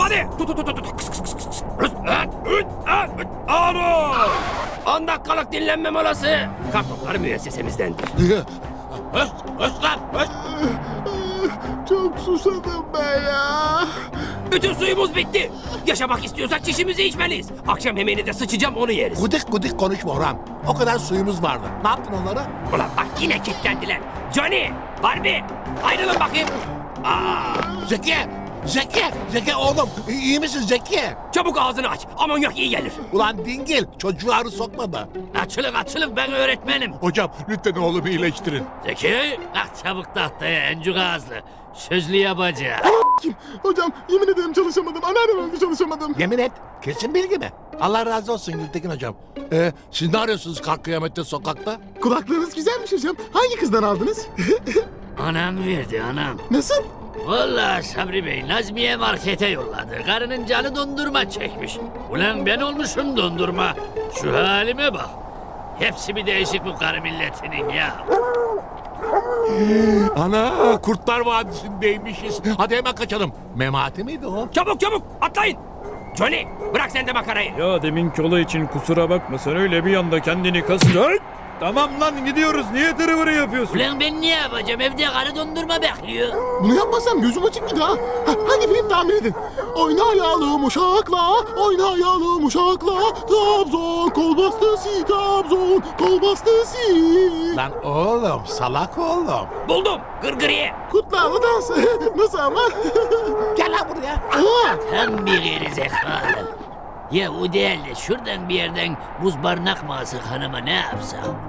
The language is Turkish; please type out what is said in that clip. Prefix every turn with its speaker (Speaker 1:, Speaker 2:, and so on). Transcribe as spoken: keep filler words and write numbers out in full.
Speaker 1: Hadi. Tut tut tut tut. Kıs, kıs, kıs, kıs. Rız, öt, öt, öt, öt. Alo. on dakikalık dinlenme molası. Kartopları müessesemizdendir. Höst, höst lan, höst.
Speaker 2: Çok susadım ben ya.
Speaker 1: Bütün suyumuz bitti. Yaşamak istiyorsak çişimizi içmeliyiz. Akşam yemeğini de sıçacağım, onu yeriz.
Speaker 2: Gudik gudik konuşma Orhan. O kadar suyumuz vardı. Ne yaptın onlara?
Speaker 1: Ulan bak yine kilitlendiler. Johnny, Barbie, ayrılın bakayım. Aa,
Speaker 2: Zeki! Zeki! Zeki oğlum iyi misin Zeki?
Speaker 1: çabuk ağzını aç. Amonyak iyi gelir.
Speaker 2: Ulan dingil çocuğu arı sokma da.
Speaker 3: Açılın açılın, ben öğretmenim.
Speaker 2: Hocam lütfen oğlumu iyileştirin.
Speaker 3: Zeki, kalk çabuk tahtaya encük ağızlı. Sözlü yapacağım.
Speaker 4: Hocam yemin ederim çalışamadım. Anneannem öldü çalışamadım.
Speaker 2: Yemin et. Kesin bilgi mi? Allah razı olsun Gültekin hocam. Ee, siz ne arıyorsunuz kalk kıyamette sokakta?
Speaker 4: Kulaklarınız güzelmiş hocam. Hangi kızdan aldınız?
Speaker 3: Anam verdi anam.
Speaker 4: Nasıl?
Speaker 3: Vallahi Sabri Bey, Nazmiye markete yolladı. Karının canı dondurma çekmiş. Ulan ben olmuşum dondurma. Şu halime bak. Hepsi bir değişik bu karı milletinin ya.
Speaker 2: Ana Kurtlar Vadisi'ndeymişiz. Hadi hemen kaçalım. Memati miydi o?
Speaker 1: Çabuk çabuk atlayın. Johnny, bırak sen de makarayı.
Speaker 5: Ya deminki olay için kusura bakma, sen öyle bir anda kendini kasınca... Ay! Tamam lan gidiyoruz, niye tırıvırı yapıyorsun?
Speaker 3: Ulan ben ne yapacağım? Evde karı dondurma bekliyor.
Speaker 4: Bunu yapmasam gözüm açık bir daha. Ha, hadi film tahmin edin. Oynayalım uşakla, oynayalım uşakla. Trabzon kol bastısı, Trabzon kol bastısı.
Speaker 2: Lan oğlum salak oğlum.
Speaker 1: Buldum, gırgırıye.
Speaker 4: Kutlarla dans. Nasıl ama?
Speaker 2: Gel lan buraya.
Speaker 4: Aa,
Speaker 3: Tam bir geri zekalı. Ya o değil de şuradan bir yerden buz barınak mı alsak hanıma, ne yapsak?